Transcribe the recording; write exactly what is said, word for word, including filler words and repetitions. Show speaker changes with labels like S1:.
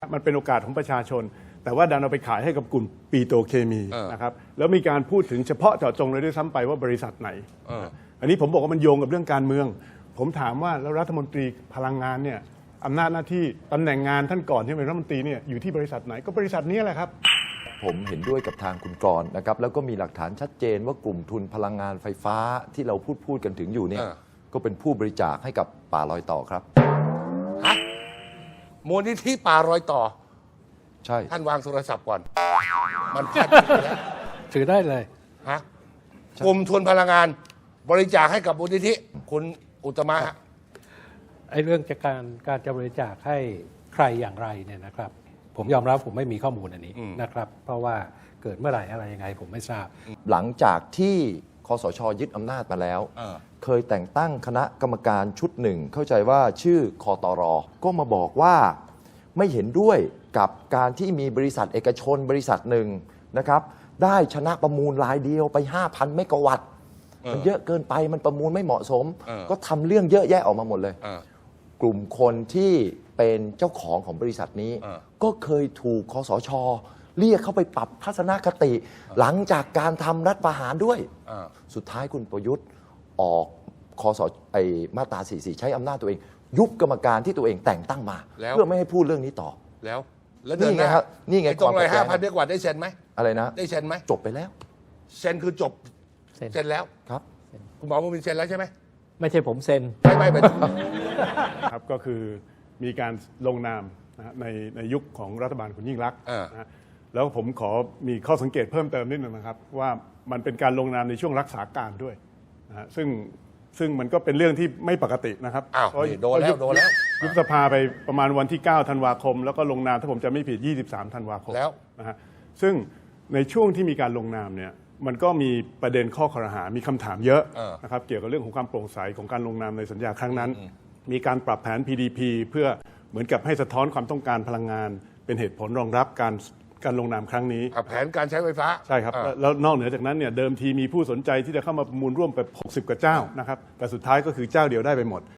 S1: มันเป็นโอกาสของประชาชนแต่ว่าดันเอาไปขายให้กับกลุ่มปิโตรเคมีนะครับแล้วมีการพูดถึงเฉพาะเจาะจงเลยด้วยซ้ำไปว่าบริษัทไหนอันนี้ผมบอกว่ามันโยงกับเรื่องการเมืองผมถามว่าแล้วรัฐมนตรีพลังงานเนี่ยอำนาจหน้าที่ตำแหน่งงานท่านก่อนที่เป็นรัฐมนตรีเนี่ยอยู่ที่บริษัทไหนก็บริษัทนี้แหละครับ
S2: ผมเห็นด้วยกับทางคุณกรณ์นะครับแล้วก็มีหลักฐานชัดเจนว่ากลุ่มทุนพลังงานไฟฟ้าที่เราพูดพูดกันถึงอยู่เนี่ยก็เป็นผู้บริจาคให้กับป่ารอยต่อครับ
S3: ฮะมูลนิธิป่ารอยต่อ
S2: ใช่
S3: ท่านวางโทรศัพท์ก่อนมันพลาดไปแล้ว
S4: ถือได้เลย
S3: ฮะกลุ่มทุนพลังงานบริจาคให้กับมูลนิธิคุณอุตมะฮะ
S4: ไอ้เรื่องจากการการจะบริจาคให้ใครอย่างไรเนี่ยนะครับผมยอมรับผมไม่มีข้อมูลอันนี้นะครับเพราะว่าเกิดเมื่อไหร่อะไรยังไงผมไม่ทราบ
S2: หลังจากที่คสช.ยึดอำนาจมาแล้วเคยแต่งตั้งคณะกรรมการชุดหนึ่งเข้าใจว่าชื่อคตร.ก็มาบอกว่าไม่เห็นด้วยกับการที่มีบริษัทเอกชนบริษัทหนึ่งนะครับได้ชนะประมูลรายเดียวไป ห้าพัน เมกะวัตต์มันเยอะเกินไปมันประมูลไม่เหมาะสมก็ทำเรื่องเยอะแยะออกมาหมดเลยกลุ่มคนที่เป็นเจ้าของของบริษัทนี้ก็เคยถูกคสช.เรียกเข้าไปปรับทัศนคติหลังจากการทำรัฐประหารด้วยสุดท้ายคุณประยุทธ์ออกคสไอมาตราสี่สิบสี่ใช้อำนาจตัวเองยุบกรรมการที่ตัวเองแต่งตั้งมาเพื่อไม่ให้พูดเรื่องนี้ต่อ
S3: แล้วแล้วนี่
S2: ไงครับนี่ไง
S3: ตรงเลยห้าพันเมกะวัตต์ได้เซ็นไหม
S2: อะไรนะ
S3: ได้เซ็นไหม
S2: จบไปแล้ว
S3: เซ็นคือจบเซ็นแล้ว
S2: ครับ
S3: คุณหมอมูมินเซ็นแล้วใช่ไหม
S4: ไม่ใช่ผมเซ็น
S3: ไม่ไม่ไม่
S1: ครับก็คือมีการลงนามนะในในยุคของรัฐบาลคุณยิ่งลักษณ์นะแล้วผมขอมีข้อสังเกตเพิ่มเติมนิดนึงนะครับว่ามันเป็นการลงนามในช่วงรักษาการด้วยนะซึ่งซึ่งมันก็เป็นเรื่องที่ไม่ปกตินะครับ
S3: อ้าวโดนแล้วโดนแล้ว
S1: ยุบสภาไปประมาณวันที่เก้าธันวาคมแล้วก็ลงนามถ้าผมจำไม่ผิดยี่สิบสามธันวาคม
S3: แล้ว
S1: นะฮะซึ่งในช่วงที่มีการลงนามเนี่ยมันก็มีประเด็นข้อครหามีคำถามเยอะนะครับเกี่ยวกับเรื่องของความโปร่งใสของการลงนามในสัญญาครั้งนั้นมีการปรับแผน พี ดี พี เพื่อเหมือนกับให้สะท้อนความต้องการพลังงานเป็นเหตุผลรองรับการการลงนามครั้งนี้
S3: แผนการใช้ไฟฟ้า
S1: ใช่ครับแล้วนอกเหนือจากนั้นเนี่ยเดิมทีมีผู้สนใจที่จะเข้ามาประมูลร่วมไปหกสิบกว่าเจ้านะครับแต่สุดท้ายก็คือเจ้าเดียวได้ไปหมด